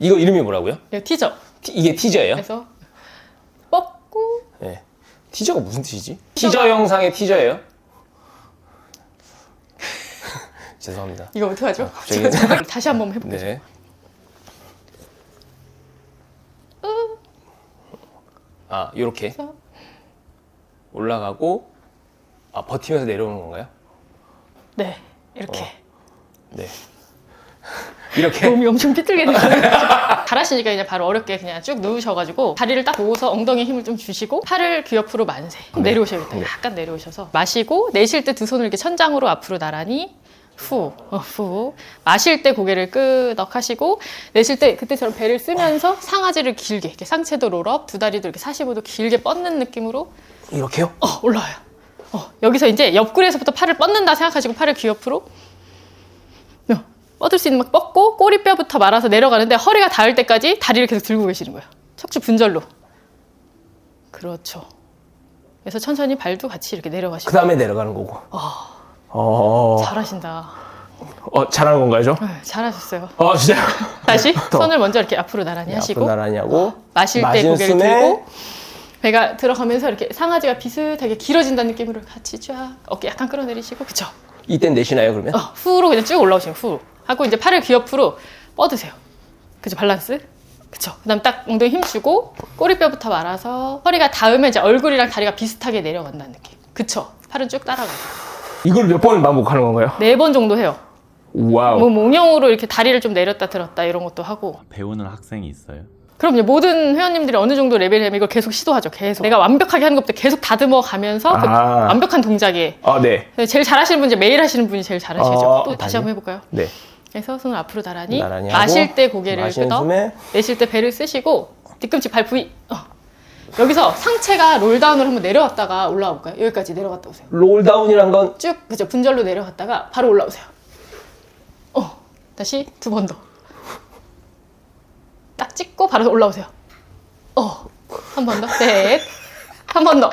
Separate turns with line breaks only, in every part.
이거 이름이 뭐라고요?
이거 티저.
이게 티저예요?
그래서 뻗고.
네. 티저가 무슨 뜻이지? 티저 영상의 티저예요? 죄송합니다.
이거 어떡하죠?
갑자기.
다시 한번 해볼게요.
네. 아, 요렇게
그래서
올라가고 버티면서 내려오는 건가요?
네, 이렇게.
네. 이렇게.
몸이 엄청 삐뚤게 되는 잘하시니까 그냥 바로 어렵게 그냥 쭉 누우셔가지고 다리를 딱 모으서 엉덩이에 힘을 좀 주시고 팔을 귀 옆으로 만세.
네.
내려오셔야겠다.
네.
약간 내려오셔서 마시고 내쉴 때 두 손을 이렇게 천장으로 앞으로 나란히 후. 마실 때 고개를 끄덕하시고 내쉴 때 그때처럼 배를 쓰면서 상하지를 길게 이렇게 상체도 롤업, 두 다리도 이렇게 45도 길게 뻗는 느낌으로
이렇게요?
올라와요. 여기서 이제 옆구리에서부터 팔을 뻗는다 생각하시고 팔을 귀 옆으로 뻗을 수 있는 막 뻗고 꼬리뼈부터 말아서 내려가는데 허리가 닿을 때까지 다리를 계속 들고 계시는 거예요. 척추 분절로. 그렇죠. 그래서 천천히 발도 같이 이렇게 내려가시고.
그 다음에 내려가는 거고.
잘하신다.
잘하는 건가요, 저?
네, 잘하셨어요.
진짜요?
다시 손을 먼저 이렇게 앞으로 나란히 하시고
앞으로 나란히 하고
마실 때
마신
고개를
숨에
들고 배가 들어가면서 이렇게 상하지가 비슷하게 길어진다는 느낌으로 같이 쫙 어깨 약간 끌어내리시고 그쵸?
이땐 내쉬나요, 그러면?
후로 그냥 쭉 올라오시면 후 하고 이제 팔을 귀 옆으로 뻗으세요. 그죠? 밸런스. 그쵸? 그 다음 딱 엉덩이 힘 주고 꼬리뼈부터 말아서 허리가 닿으면 이제 얼굴이랑 다리가 비슷하게 내려간다는 느낌. 그쵸? 팔은 쭉 따라가요.
이걸 몇 번을 반복하는 건가요?
4번 정도 해요.
와우.
뭐 몽용으로 이렇게 다리를 좀 내렸다 들었다 이런 것도 하고.
배우는 학생이 있어요?
그럼요. 모든 회원님들이 어느 정도 레벨이 되면 이걸 계속 시도하죠. 계속. 내가 완벽하게 하는 것부터 계속 다듬어 가면서 그 완벽한 동작에.
네.
제일 잘하시는 분이 이제 매일 하시는 분이 제일 잘하시죠. 또 다시 한번 해볼까요?
네.
그래서 손을 앞으로 나란히
하고,
마실 때 고개를
마시는
끄덕,
숨에
내쉴 때 배를 쓰시고 뒤꿈치 발 부위. 여기서 상체가 롤다운으로 한번 내려왔다가 올라와 볼까요? 여기까지 내려갔다 오세요.
롤다운이란 건
쭉 그죠? 분절로 내려갔다가 바로 올라오세요. 다시 2번 더. 딱 찍고 바로 올라오세요. 한 번 더. 셋. 한 번 더.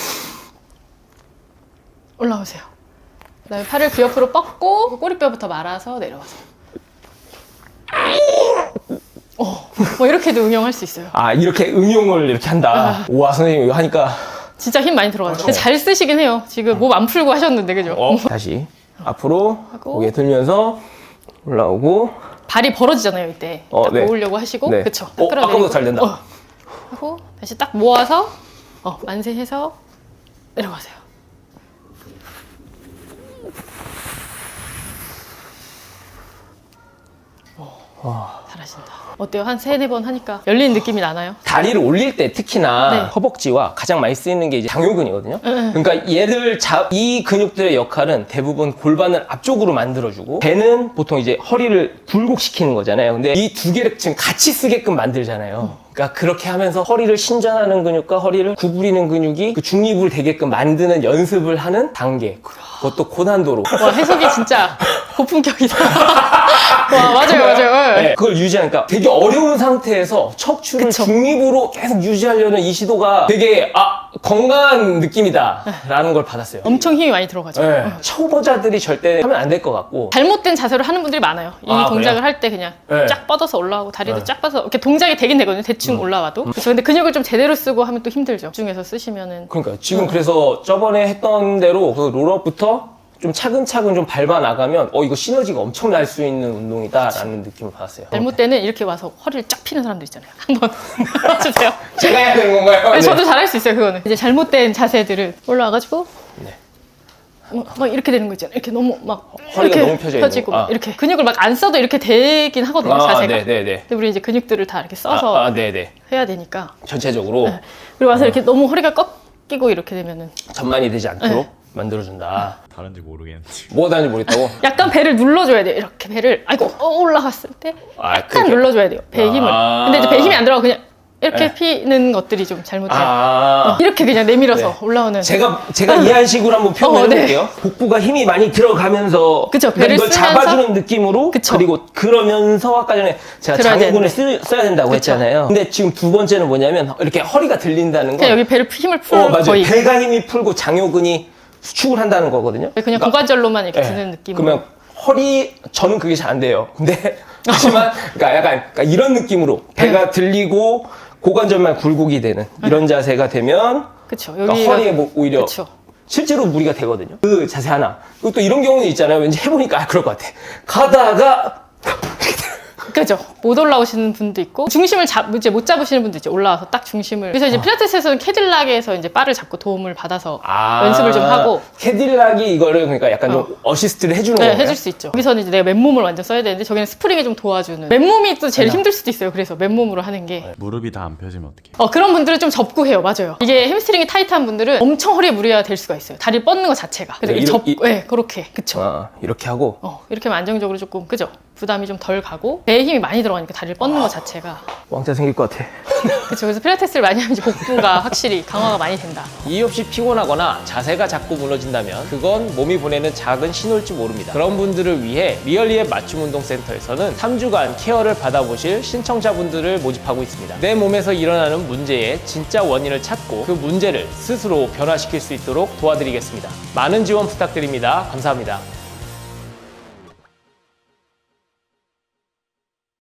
올라오세요. 그다음에 팔을 귀 옆으로 뻗고 꼬리뼈부터 말아서 내려와서. 뭐 이렇게도 응용할 수 있어요.
이렇게 응용을 이렇게 한다. 와, 선생님 이거 하니까
진짜 힘 많이 들어가죠. 근데 잘 쓰시긴 해요. 지금 몸 안 풀고 하셨는데 그죠?
다시 앞으로
하고.
고개 들면서 올라오고
발이 벌어지잖아요 이때. 딱
네.
모으려고 하시고
네.
그쵸?
아까보다 잘 된다.
하고 다시 딱 모아서 만세해서 내려가세요. 잘하신다. 어때요? 한 3-4번 하니까 열리는 느낌이 나나요?
다리를 올릴 때 특히나
네.
허벅지와 가장 많이 쓰이는 게 이제 장요근이거든요. 그러니까 이 근육들의 역할은 대부분 골반을 앞쪽으로 만들어주고 배는 보통 이제 허리를 굴곡시키는 거잖아요. 근데 이 두 개를 지금 같이 쓰게끔 만들잖아요. 그러니까 그렇게 하면서 허리를 신전하는 근육과 허리를 구부리는 근육이 그 중립을 되게끔 만드는 연습을 하는 단계. 그것도 고난도로.
와 해석이 진짜 고품격이다. 와 맞아요.
네, 그걸 유지하니까 되게 어려운 상태에서 척추를
그쵸.
중립으로 계속 유지하려는 이 시도가 되게 건강한 느낌이다 라는 걸 받았어요.
엄청 힘이 많이 들어가죠.
네. 초보자들이 절대 하면 안 될 것 같고
잘못된 자세로 하는 분들이 많아요. 이 동작을
그래요?
할 때 그냥
네.
쫙 뻗어서 올라오고 다리도 쫙 뻗어서 이렇게 동작이 되긴 되거든요. 대충 올라와도. 그렇죠. 근데 근육을 좀 제대로 쓰고 하면 또 힘들죠. 집중해서 쓰시면은.
그러니까 지금 그래서 저번에 했던 대로 그 롤업부터 좀 차근차근 좀 밟아 나가면 이거 시너지가 엄청 날 수 있는 운동이다라는 느낌을 받았어요.
잘못때는 이렇게 와서 허리를 쫙 피는 사람들 있잖아요. 한번 해주세요.
제가 해야 되는 건가요?
네. 저도 잘할 수 있어요. 그거는 이제 잘못된 자세들을 올라와가지고
네.
막 이렇게 되는 거 있잖아요. 이렇게 너무 막
허리가
이렇게
너무 펴져 있는
펴지고
거.
막 이렇게 근육을 막 안 써도 이렇게 되긴 하거든요. 자세가.
네네네.
근데 우리 이제 근육들을 다 이렇게 써서
네네.
해야 되니까.
전체적으로
그리고 와서 이렇게 너무 허리가 꺾이고 이렇게 되면은
전만이 되지 않도록 만들어준다.
다른지 모르겠는데.
뭐가 다른지 모르겠다고?
약간 배를 눌러줘야 돼요. 이렇게 배를 올라갔을 때 약간
그렇게?
눌러줘야 돼요. 배 힘을. 근데 이제 배 힘이 안 들어가고 그냥 이렇게 피는 것들이 좀 잘못돼요. 이렇게 그냥 내밀어서 올라오는.
제가 이해한 식으로 한번 표현해볼게요. 복부가 힘이 많이 들어가면서
그쵸, 배를
이걸
쓰면서.
잡아주는 느낌으로
그쵸.
그리고 그러면서 아까 전에 제가
들어야
장요근을
되는데.
써야 된다고
그쵸.
했잖아요. 근데 지금 두 번째는 뭐냐면 이렇게 허리가 들린다는 거.
그냥 여기 배를 힘을 풀
맞아요.
거의.
배가 힘이 풀고 장요근이 수축을 한다는 거거든요.
그냥 고관절로만 이렇게 드는 느낌으로.
그러면 저는 그게 잘 안 돼요. 근데 하지만 그러니까 약간 그러니까 이런 느낌으로 배가 들리고 고관절만 굴곡이 되는 이런 자세가 되면
그쵸.
그러니까
여기가-
허리에 뭐 오히려
그쵸.
실제로 무리가 되거든요. 그 자세 하나. 그리고 또 이런 경우는 있잖아요. 왠지 해보니까 그럴 것 같아. 가다가
그죠. 못 올라오시는 분도 있고 중심을 이제 못 잡으시는 분도 있죠. 올라와서 딱 중심을. 그래서 이제 필라테스에서는 캐딜락에서 이제 바를 잡고 도움을 받아서 연습을 좀 하고.
캐딜락이 이거를 그러니까 약간 좀 어시스트를 해주는
네,
건가요?
해줄 수 있죠. 여기서는 이제 내가 맨몸을 완전 써야 되는데 저기는 스프링이 좀 도와주는. 맨몸이 또 제일 힘들 수도 있어요. 그래서 맨몸으로 하는 게.
무릎이 다 안 펴지면 어떡해?
그런 분들은 좀 접고 해요. 맞아요. 이게 햄스트링이 타이트한 분들은 엄청 허리에 무리가 될 수가 있어요. 다리 뻗는 것 자체가. 그래서
네,
네, 그렇게. 그쵸.
이렇게 하고
이렇게 하면 안정적으로 조금, 그죠? 부담이 좀 덜 가고 배에 힘이 많이 들어가니까 다리를 뻗는 것 자체가.
왕자 생길 것 같아.
그쵸. 그래서 필라테스를 많이 하면 이제 복부가 확실히 강화가 많이 된다.
이유 없이 피곤하거나 자세가 자꾸 무너진다면 그건 몸이 보내는 작은 신호일지 모릅니다. 그런 분들을 위해 리얼리의 맞춤 운동 센터에서는 3주간 케어를 받아보실 신청자분들을 모집하고 있습니다. 내 몸에서 일어나는 문제의 진짜 원인을 찾고 그 문제를 스스로 변화시킬 수 있도록 도와드리겠습니다. 많은 지원 부탁드립니다. 감사합니다.